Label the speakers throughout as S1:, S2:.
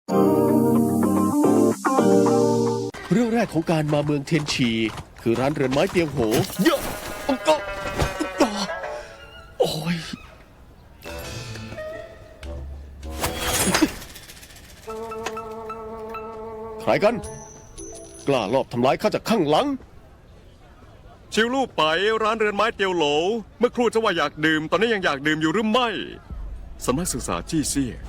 S1: เรื่องแรกของการมาเมืองเทียนชีคือร้านเรือนไม้เตียงโหเยอะโอ้ยใครกันกล้าลอบทำร้ายข้าจากข้างหลัง
S2: ชิวลู่ไปร้านเรือนไม้เตียวโหลเมื่อครู่จะว่าอยากดื่มตอนนี้ยังอยากดื่มอยู่หรือไม่สำนักศึกษาจี้เซี่ย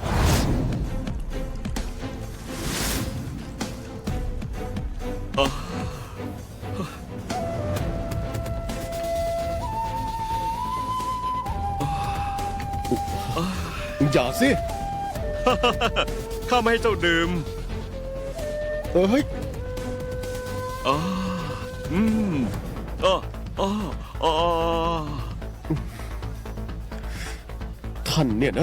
S1: อย่าสิ
S2: ข้าไม่ให้เจ้าดื่ม
S1: เฮ้ย
S2: อ่าอืมอ่าอ่าอ่า
S1: ท่านเนี่ยนะ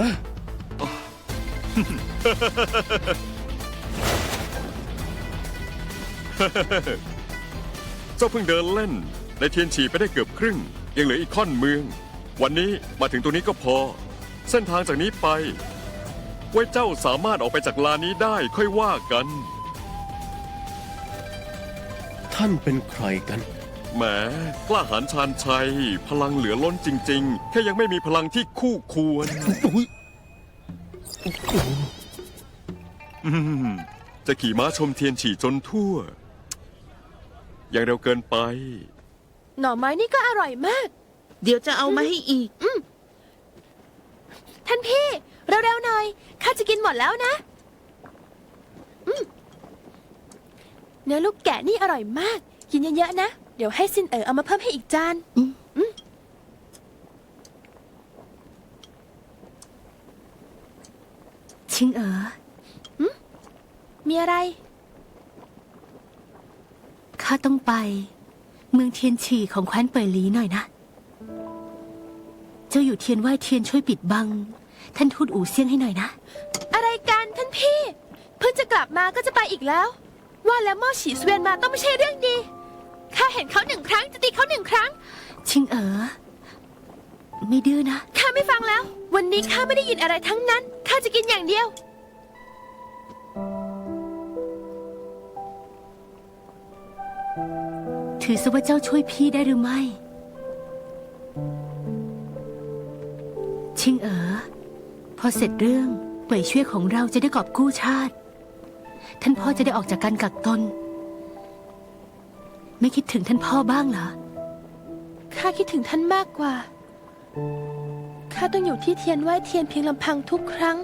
S2: เจ้าเพิ่งเดินเล่นในเทียนฉีไปได้เกือบครึ่งยังเหลืออีกค่อนเมืองวันนี้มาถึงตรงนี้ก็พอเส้นทางจากนี้ไปไว้เจ้าสามารถออกไปจากลานนี้ได้ค่อยว่ากัน
S1: ท่านเป็นใครกัน
S2: แหมกล้าหาญชาญชัยพลังเหลือล้นจริงๆแค่ยังไม่มีพลังที่คู่ควรจะขี่ม้าชมเทียนฉี่จนทั่วยังเร็วเกินไป
S3: หน่อไม้นี่ก็อร่อยมาก
S4: เดี๋ยวจะเอามาให้อีก
S3: ท่านพี่เร็วๆหน่อยข้าจะกินหมดแล้วนะเนื้อลูกแกะนี่อร่อยมากกินเยอะๆนะเดี๋ยวให้ซินเอามาเพิ่มให้อีกจาน
S4: ชิง
S3: มีอะไร
S4: ข้าต้องไปเมืองเทียนฉี่ของแคว้นเป่ยหลีหน่อยนะเจ้าอยู่เทียนไหว้เทียนช่วยปิดบังท่านทูตอู่เซี่ยงให้หน่อยนะ
S3: อะไรกันท่านพี่เพิ่งจะกลับมาก็จะไปอีกแล้วว่าแล้วม่อฉีเสวียนมาต้องไม่ใช่เรื่องดีข้าเห็นเขา1 ครั้งจะตีเขา1 ครั้ง
S4: ชิงไม่ดื้อนะ
S3: ข้าไม่ฟังแล้ววันนี้ข้าไม่ได้ยินอะไรทั้งนั้นข้าจะกินอย่างเดียว
S4: ถือซะว่าเจ้าช่วยพี่ได้หรือไม่ชิงพอเสร็จเรื่องเป่ยช่วยของเราจะได้กอบกู้ชาติท่านพ่อจะได้ออกจากการกักตนไม่คิดถึงท่านพ่อบ้างเหรอ
S3: ข้าคิดถึงท่านมากกว่าข้าต้องอยู่ที่เทียนไหว้เทียนเพียงลำพังทุกครั้ง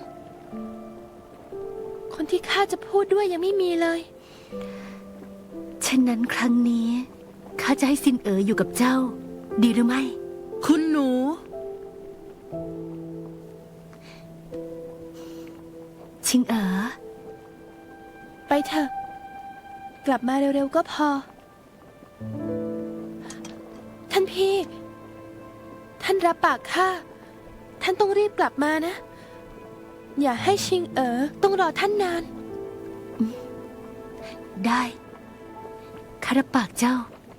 S3: คนที่ข้าจะพูดด้วยยังไม่มีเลย
S4: ฉะนั้นครั้งนี้ข้าจะให้ซินอยู่กับเจ้าดีหรือไม่
S3: คุณหนู
S4: ชิง
S3: ไปเถอะกลับมาเร็วๆก็พอท่านพี่ท่านรับปากข้าท่านต้องรีบกลับมานะอย่าให้ชิงต้องรอท่านนาน
S4: ได้ข้ารับปากเจ้า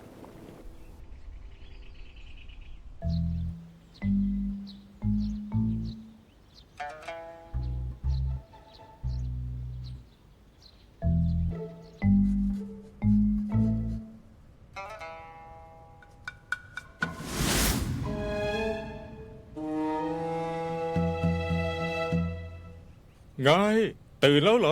S5: ไงตื่นแล้วเหรอ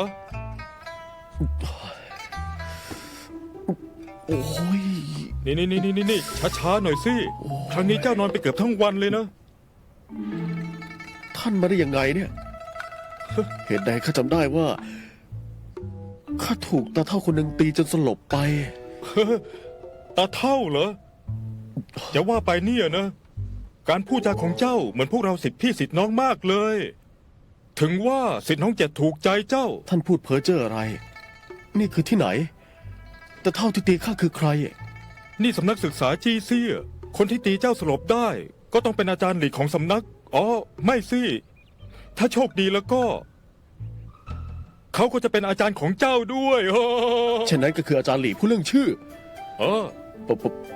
S1: โอ้ย
S5: นี่ช้าๆหน่อยสิครั้งนี้เจ้านอนไปเกือบทั้งวันเลยนะ
S1: ท่านมาได้ยังไงเนี่ยเหตุใดข้าจำได้ว่าข้าถูกตาเฒ่าคนหนึ่งตีจนสลบไป
S5: ตาเฒ่าเหรอจะว่าไปเนี่ยนะการพูดจาของเจ้าเหมือนพวกเราศิษย์พี่ศิษย์น้องมากเลยถึงว่าศิษย์น้องเจ็ดถูกใจเจ้า
S1: ท่านพูดเพ้อเจ้ออะไรนี่คือที่ไหนแต่เท่าที่ตีข้าคือใคร
S5: นี่สำนักศึกษาจีเซี่ยคนที่ตีเจ้าสลบได้ก็ต้องเป็นอาจารย์หลีกของสำนักอ๋อไม่สิถ้าโชคดีแล้วก็เขาก็จะเป็นอาจารย์ของเจ้าด้วย
S1: ฉะนั้นก็คืออาจารย์หลีผู้เรื่องชื่อ